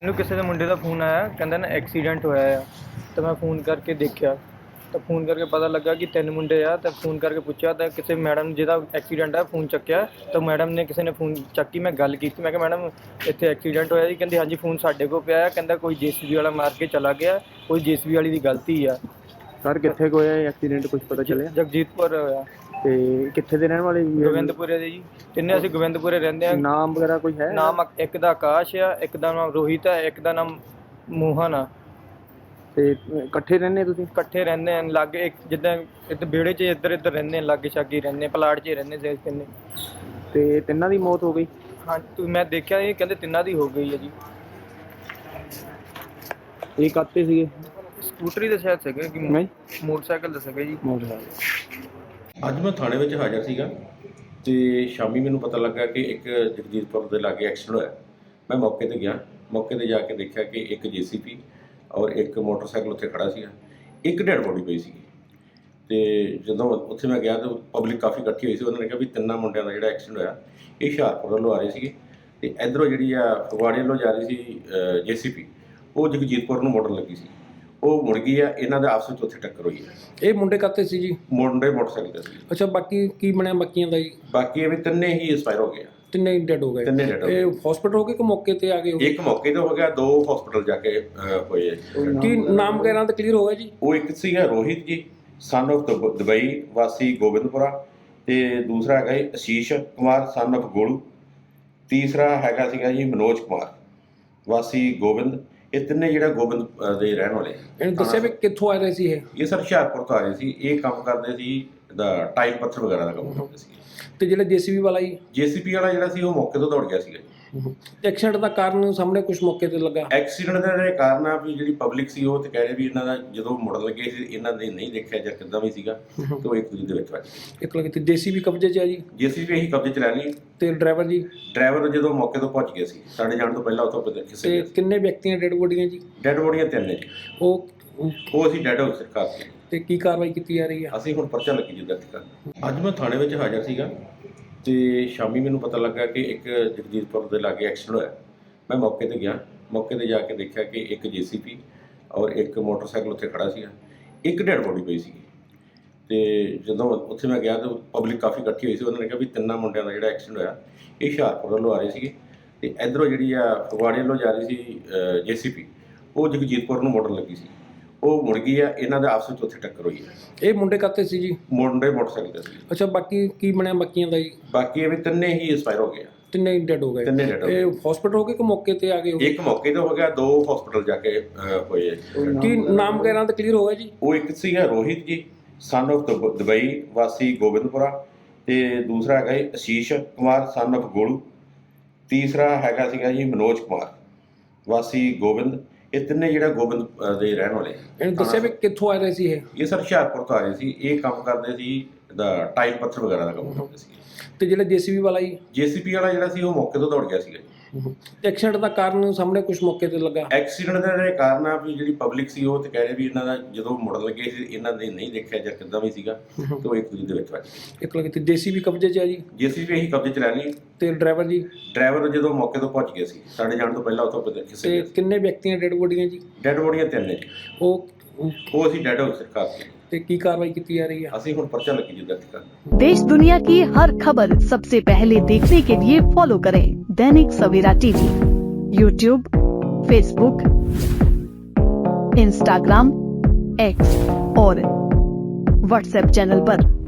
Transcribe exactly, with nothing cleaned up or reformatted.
ਮੈਨੂੰ ਕਿਸੇ ਦੇ ਮੁੰਡੇ ਦਾ ਫੋਨ ਆਇਆ, ਕਹਿੰਦਾ ਨਾ ਐਕਸੀਡੈਂਟ ਹੋਇਆ ਆ। ਤਾਂ ਮੈਂ ਫੋਨ ਕਰਕੇ ਦੇਖਿਆ, ਤਾਂ ਫੋਨ ਕਰਕੇ ਪਤਾ ਲੱਗਾ ਕਿ ਤਿੰਨ ਮੁੰਡੇ ਆ। ਤਾਂ ਫੋਨ ਕਰਕੇ ਪੁੱਛਿਆ ਤਾਂ ਕਿਸੇ ਮੈਡਮ ਜਿਹਦਾ ਐਕਸੀਡੈਂਟ ਆ ਫੋਨ ਚੱਕਿਆ, ਤਾਂ ਮੈਡਮ ਨੇ ਕਿਸੇ ਨੇ ਫੋਨ ਚੱਕੀ। ਮੈਂ ਗੱਲ ਕੀਤੀ, ਮੈਂ ਕਿਹਾ ਮੈਡਮ ਇੱਥੇ ਐਕਸੀਡੈਂਟ ਹੋਇਆ ਜੀ। ਕਹਿੰਦੇ ਹਾਂਜੀ ਫੋਨ ਸਾਡੇ ਕੋਲ ਪਿਆ ਆ। ਕਹਿੰਦਾ ਕੋਈ ਜੇਸੀਬੀ ਵਾਲਾ ਮਾਰ ਕੇ ਚਲਾ ਗਿਆ, ਕੋਈ ਜੇਸੀਬੀ ਵਾਲੀ ਦੀ ਗਲਤੀ ਆ। ਸਰ ਕਿੱਥੇ ਕੁ ਹੋਇਆ ਐਕਸੀਡੈਂਟ, ਕੁਝ ਪਤਾ ਚੱਲਿਆ? ਜਗਜੀਤਪੁਰ ਹੋਇਆ। ਤੇ ਕਿੱਥੇ ਦੇ ਰਹਿਣ ਵਾਲੇ ਜੀ? ਗੋਬਿੰਦਪੁਰੇ ਦੇ ਜੀ, ਤਿੰਨੇ ਅਸੀਂ ਗੋਬਿੰਦਪੁਰੇ ਰਹਿੰਦੇ ਆ। ਨਾਮ ਵਗੈਰਾ ਕੋਈ ਹੈ? ਨਾਮ ਇੱਕ ਦਾ ਆਕਾਸ਼ ਆ, ਇੱਕ ਦਾ ਨਾਮ ਰੋਹਿਤ ਆ, ਇੱਕ ਦਾ ਨਾਮ ਮੋਹਨ ਆ। ਤੇ ਇਕੱਠੇ ਰਹਿੰਦੇ ਤੁਸੀਂ? ਇਕੱਠੇ ਰਹਿੰਦੇ ਆ ਲਾਗੇ, ਇੱਕ ਜਿੱਦਾਂ ਇੱਧਰ ਵਿਹੜੇ 'ਚ ਇੱਧਰ ਇੱਧਰ ਰਹਿੰਦੇ ਆ, ਲਾਗੇ ਛਾਗੇ ਰਹਿੰਦੇ, ਪਲਾਟ 'ਚ ਰਹਿੰਦੇ ਸੀ ਤਿੰਨੇ। ਤੇ ਤਿੰਨਾਂ ਦੀ ਮੌਤ ਹੋ ਗਈ? ਹਾਂ ਤੂੰ ਮੈਂ ਦੇਖਿਆ ਇਹ ਕਹਿੰਦੇ ਤਿੰਨਾਂ ਦੀ ਹੋ ਗਈ ਹੈ ਜੀ। ਇਹ ਕਾਤੇ ਸੀਗੇ? ਸਕੂਟਰੀ ਦੇ ਸ਼ਾਇਦ ਸੀਗੇ ਕਿ ਨਹੀਂ, ਮੋਟਰਸਾਈਕਲ ਦੇ ਸੀਗੇ ਜੀ। ਮੋਟਰਸਾਈਕਲ। ਅੱਜ ਮੈਂ ਥਾਣੇ ਵਿੱਚ ਹਾਜ਼ਰ ਸੀਗਾ ਤੇ ਸ਼ਾਮੀ ਮੈਨੂੰ ਪਤਾ ਲੱਗਾ ਕਿ ਇੱਕ ਜਗਜੀਤਪੁਰ ਦੇ ਲਾਗੇ ਐਕਸੀਡੈਂਟ ਹੋਇਆ। ਮੈਂ ਮੌਕੇ ਤੇ ਗਿਆ, ਮੌਕੇ ਤੇ ਜਾ ਕੇ ਦੇਖਿਆ ਕਿ ਇੱਕ ਜੇਸੀਪੀ ਔਰ ਇੱਕ ਮੋਟਰਸਾਈਕਲ ਉੱਥੇ ਖੜਾ ਸੀਗਾ, ਇੱਕ ਡੈਡ ਬੋਡੀ ਪਈ ਸੀਗੀ। ਤੇ ਜਦੋਂ ਉੱਥੇ ਮੈਂ ਗਿਆ ਤਾਂ ਪਬਲਿਕ ਕਾਫੀ ਇਕੱਠੀ ਹੋਈ ਸੀ। ਉਹਨਾਂ ਨੇ ਕਿਹਾ ਵੀ ਤਿੰਨਾਂ ਮੁੰਡਿਆਂ ਦਾ ਜਿਹੜਾ ਐਕਸੀਡੈਂਟ ਹੋਇਆ ਇਹ ਹੁਸ਼ਿਆਰਪੁਰ ਵੱਲੋਂ ਆ ਰਹੇ ਸੀਗੇ ਤੇ ਇੱਧਰੋਂ ਜਿਹੜੀ ਆ ਫਗਵਾੜੇ ਵੱਲੋਂ ਜਾ ਰਹੀ ਸੀ ਜੇਸੀਪੀ, ਉਹ ਜਗਜੀਤਪੁਰ ਨੂੰ ਮੋੜਨ ਲੱਗੀ ਸੀ। ਉਹ ਮੁੜ ਗਈ ਆ, ਇਹਨਾਂ ਦੇ ਆਪਸ ਵਿੱਚ ਉੱਥੇ ਟੱਕਰ ਹੋਈ ਹੈ। ਇਹ ਮੁੰਡੇ ਕਾਤੇ ਸੀ ਜੀ? ਮੁੰਡੇ ਮੋਟਰਸਾਈਕਲ ਤੇ ਸੀ। ਅੱਛਾ, ਬਾਕੀ ਕੀ ਬਣਿਆ ਬਾਕੀਆਂ ਦਾ ਜੀ? ਬਾਕੀ ਇਹ ਵੀ ਤਿੰਨੇ ਹੀ ਐਕਸਪਾਇਰ ਹੋ ਗਏ ਆ। ਤਿੰਨੇ ਡੈਡ ਹੋ ਗਏ? ਤਿੰਨੇ ਡੈਡ ਹੋ ਗਏ। ਇਹ ਹਸਪੀਟਲ ਹੋ ਗਏ ਕਿ ਮੌਕੇ ਤੇ ਆ ਗਏ ਹੋ? ਇੱਕ ਮੌਕੇ ਤੇ ਹੋ ਗਿਆ, ਦੋ ਹਸਪੀਟਲ ਜਾ ਕੇ ਅਹ, ਹੋਏ ਆ ਜੀ। ਕੀ ਨਾਮ ਵਗੈਰਾ ਤਾਂ ਕਲੀਅਰ ਹੋ ਗਿਆ ਜੀ? ਉਹ ਇੱਕ ਸੀਗਾ ਰੋਹਿਤ ਜੀ, ਸਨ ਆਫ ਦੁਬਈ, ਵਾਸੀ ਗੋਬਿੰਦਪੁਰਾ, ਤੇ ਦੂਸਰਾ ਹੈਗਾ ਜੀ ਅਸ਼ੀਸ਼ ਕੁਮਾਰ, ਸਨ ਆਫ ਗੋਲੂ। ਤੀਸਰਾ ਹੈਗਾ ਸੀਗਾ ਜੀ ਮਨੋਜ ਕੁਮਾਰ, ਵਾਸੀ ਗੋਬਿੰਦ। ਇਹ ਤਿੰਨੇ ਜਿਹੜਾ ਗੋਬਿੰਦ ਅਹ, ਦੇ ਰਹਿਣ ਵਾਲੇ। ਇਹਨੂੰ ਦੱਸਿਆ ਵੀ ਕਿੱਥੋਂ ਆ ਰਹੇ ਸੀ ਇਹ? ਇਹ ਸਰ ਹੁਸ਼ਿਆਰਪੁਰ ਤੋਂ ਆ ਰਹੇ ਸੀ। ਇਹ ਕੰਮ ਕਰਦੇ ਸੀ ਦਾ ਟਾਈਲ ਪੱਥਰ ਵਗੈਰਾ ਦਾ ਕੰਮ ਕਰਦੇ ਸੀ। ਤੇ ਜਿਹੜਾ ਜੇਸੀਬੀ ਵਾਲਾ ਜੀ? ਜੇਸੀਪੀ ਵਾਲਾ ਜਿਹੜਾ ਸੀ ਉਹ ਮੌਕੇ ਤੋਂ ਦੌੜ ਗਿਆ ਸੀਗਾ ਜੀ। ਐਕਸੀਡੈਂਟ ਦਾ ਕਾਰਨ ਸਾਹਮਣੇ ਕੁਝ ਮੌਕੇ ਤੇ ਲੱਗਾ? ਐਕਸੀਡੈਂਟ ਦਾ ਜਿਹੜੇ ਕਾਰਨ ਆ ਵੀ ਜਿਹੜੀ ਪਬਲਿਕ ਸੀ ਉਹ ਤੇ ਕਹਿ ਰਹੇ ਵੀ ਇਹਨਾਂ ਦਾ ਜਦੋਂ ਮੁੜਨ ਲੱਗੇ ਸੀ ਇਹਨਾਂ ਨੇ ਨਹੀਂ ਦੇਖਿਆ ਜਾਂ ਕਿੱਦਾਂ ਵੀ ਸੀਗਾ, ਤੇ ਉਹ ਇੱਕ ਦੂਜੇ ਦੇ ਵਿੱਚ ਵੱਜ ਗਏ। ਇੱਕ ਲੱਗੀ ਤੇ ਜੇਸੀਬੀ ਕਬਜ਼ੇ 'ਚ ਆ ਜੀ? ਜੇਸੀਬੀ ਇਹੀ ਕਬਜ਼ੇ 'ਚ ਲੈ ਲਈ। ਤੇ ਡਰਾਈਵਰ ਜੀ? ਡਰਾਈਵਰ ਜਦੋਂ ਮੌਕੇ ਤੋਂ ਪਹੁੰਚ ਗਿਆ ਸੀ, ਸਾਡੇ ਜਾਣ ਤੋਂ ਪਹਿਲਾਂ ਉੱਥੋਂ ਤੇ ਕਿਸੇ ਕਿੰਨੇ ਵਿਅਕਤੀਆਂ ਡੈਡ ਬੋਡੀਆਂ ਜੀ? ਡੈਡ ਬੋਡੀਆਂ ਤਿੰਨ ਨੇ ਜੀ। ਉਹ ਉਹ ਅਸੀਂ ਡੈਡ ਹਾਊਸ ਸਰਕਾਰ ਤੇ। ਤੇ ਕੀ ਕਾਰਵਾਈ ਕੀਤੀ ਜਾ ਰਹੀ ਹੈ? ਅਸੀਂ ਹੁਣ ਪਰਚਾ ਲੱਗੀ ਜੀ ਦਰਜ ਕਰਨ। ਅੱਜ ਮੈਂ ਥਾਣੇ ਵਿੱਚ ਹਾਜ਼ਰ ਸੀਗਾ ਤੇ ਸ਼ਾਮੀ ਮੈਨੂੰ ਪਤਾ ਲੱਗਾ ਕਿ ਇੱਕ ਜਗਜੀਤਪੁਰ ਦੇ ਲਾਗੇ ਐਕਸੀਡੈਂਟ ਹੋਇਆ। ਮੈਂ ਮੌਕੇ ਤੇ ਗਿਆ, ਮੌਕੇ ਤੇ ਜਾ ਕੇ ਦੇਖਿਆ ਕਿ ਇੱਕ ਜੇਸੀਪੀ ਔਰ ਇੱਕ ਮੋਟਰਸਾਈਕਲ ਉੱਥੇ ਖੜਾ ਸੀਗਾ, ਇੱਕ ਡੈਡ ਬੋਡੀ ਪਈ ਸੀਗੀ। ਤੇ ਜਦੋਂ ਉੱਥੇ ਮੈਂ ਗਿਆ ਤਾਂ ਪਬਲਿਕ ਕਾਫੀ ਇਕੱਠੀ ਹੋਈ ਸੀ। ਉਹਨਾਂ ਨੇ ਕਿਹਾ ਵੀ ਤਿੰਨਾਂ ਮੁੰਡਿਆਂ ਦਾ ਜਿਹੜਾ ਐਕਸੀਡੈਂਟ ਹੋਇਆ ਇਹ ਹੁਸ਼ਿਆਰਪੁਰ ਵੱਲੋਂ ਆ ਰਹੇ ਸੀਗੇ ਤੇ ਇੱਧਰੋਂ ਜਿਹੜੀ ਆ ਫਗਵਾੜੇ ਵੱਲੋਂ ਜਾ ਰਹੀ ਸੀ ਜੇਸੀਪੀ, ਉਹ ਜਗਜੀਤਪੁਰ ਨੂੰ ਮੋੜਨ ਲੱਗੀ ਸੀ। ਉਹ ਮੁੜ ਗਈ ਆ, ਇਹਨਾਂ ਦੇ ਆਪਸ ਵਿੱਚ ਉੱਥੇ ਟੱਕਰ ਹੋਈ ਹੈ। ਇਹ ਮੁੰਡੇ ਕਾਤੇ ਸੀ ਜੀ? ਮੁੰਡੇ ਮੋਟਰਸਾਈਕਲ ਤੇ ਸੀ। ਅੱਛਾ, ਬਾਕੀ ਕੀ ਬਣਿਆ ਬਾਕੀਆਂ ਦਾ ਜੀ? ਬਾਕੀ ਇਹ ਵੀ ਤਿੰਨੇ ਹੀ ਐਕਸਪਾਇਰ ਹੋ ਗਏ ਆ। ਤਿੰਨੇ ਡੈਡ ਹੋ ਗਏ? ਤਿੰਨੇ ਡੈਡ ਹੋ ਗਏ। ਇਹ ਹਸਪੀਟਲ ਹੋ ਗਏ ਕਿ ਮੌਕੇ ਤੇ ਆ ਗਏ ਹੋ? ਇੱਕ ਮੌਕੇ ਤੇ ਹੋ ਗਿਆ, ਦੋ ਹਸਪੀਟਲ ਜਾ ਕੇ ਅਹ, ਹੋਏ ਆ ਜੀ। ਕੀ ਨਾਮ ਵਗੈਰਾ ਤਾਂ ਕਲੀਅਰ ਹੋ ਗਿਆ ਜੀ? ਉਹ ਇੱਕ ਸੀਗਾ ਰੋਹਿਤ ਜੀ, ਸਨ ਆਫ ਦੁਬਈ, ਵਾਸੀ ਗੋਬਿੰਦਪੁਰਾ, ਤੇ ਦੂਸਰਾ ਹੈਗਾ ਜੀ ਅਸ਼ੀਸ਼ ਕੁਮਾਰ, ਸਨ ਆਫ ਗੋਲੂ। ਤੀਸਰਾ ਹੈਗਾ ਸੀਗਾ ਜੀ ਮਨੋਜ ਕੁਮਾਰ, ਵਾਸੀ ਗੋਬਿੰਦ। ਇਹ ਤਿੰਨੇ ਜਿਹੜਾ ਗੋਬਿੰਦ ਅਹ, ਦੇ ਰਹਿਣ ਵਾਲੇ। ਇਹਨੂੰ ਦੱਸਿਆ ਵੀ ਕਿੱਥੋਂ ਆ ਰਹੇ ਸੀ ਇਹ? ਇਹ ਸਰ ਹੁਸ਼ਿਆਰਪੁਰ ਤੋਂ ਆ ਰਹੇ ਸੀ। ਇਹ ਕੰਮ ਕਰਦੇ ਸੀ ਦਾ ਟਾਈਲ ਪੱਥਰ ਵਗੈਰਾ ਦਾ ਕੰਮ ਕਰਦੇ ਸੀ। ਤੇ ਜਿਹੜਾ ਜੇਸੀਬੀ ਵਾਲਾ ਜੀ? ਜੇਸੀਪੀ ਵਾਲਾ ਜਿਹੜਾ ਸੀ ਉਹ ਮੌਕੇ ਤੋਂ ਦੌੜ ਗਿਆ ਸੀਗਾ ਜੀ। ਐਕਸੀਡੈਂਟ ਦਾ ਕਾਰਨ ਸਾਹਮਣੇ ਕੁਝ ਮੌਕੇ ਤੇ ਲੱਗਾ? ਐਕਸੀਡੈਂਟ ਦਾ ਜਿਹੜੇ ਕਾਰਨ ਆ ਵੀ ਜਿਹੜੀ ਪਬਲਿਕ ਸੀ ਉਹ ਤੇ ਕਹਿ ਰਹੇ ਵੀ ਇਹਨਾਂ ਦਾ ਜਦੋਂ ਮੁੜਨ ਲੱਗੇ ਸੀ ਇਹਨਾਂ ਨੇ ਨਹੀਂ ਦੇਖਿਆ ਜਾਂ ਕਿੱਦਾਂ ਵੀ ਸੀਗਾ, ਤੇ ਉਹ ਇੱਕ ਦੂਜੇ ਦੇ ਵਿੱਚ ਵੱਜ ਗਏ। ਇੱਕ ਲੱਗੀ ਤੇ ਜੇਸੀਬੀ ਕਬਜ਼ੇ 'ਚ ਆ ਜੀ? ਜੇਸੀਬੀ ਇਹੀ ਕਬਜ਼ੇ 'ਚ ਲੈ ਲਈ। ਤੇ ਡਰਾਈਵਰ ਜੀ? ਡਰਾਈਵਰ ਜਦੋਂ ਮੌਕੇ ਤੋਂ ਪਹੁੰਚ ਗਿਆ ਸੀ, ਸਾਡੇ ਜਾਣ ਤੋਂ ਪਹਿਲਾਂ ਉੱਥੋਂ ਕਿਸੇ ਤੇ ਕਿੰਨੇ ਵਿਅਕਤੀਆਂ ਡੈਡ ਬੋਡੀਆਂ ਜੀ? ਡੈਡ ਬੋਡੀਆਂ ਤਿੰਨ ਨੇ ਜੀ। ਉਹ ਉਹ ਅਸੀਂ ਡੈਡ ਹਾਊਸ ਸਰਕਾਰ ਤੇ। ਤੇ ਕੀ ਕਾਰਵਾਈ ਕੀਤੀ ਜਾ ਰਹੀ ਹੈ? ਅਸੀਂ ਹੁਣ ਪਰਚਾ ਲੱਗੀ ਜੀ ਦਰਜ ਕਰਨ। देश दुनिया की हर खबर सबसे पहले देखने के लिए फॉलो करें Dainik Savera TV, YouTube, Facebook, Instagram, X और व्हाट्सएप चैनल पर।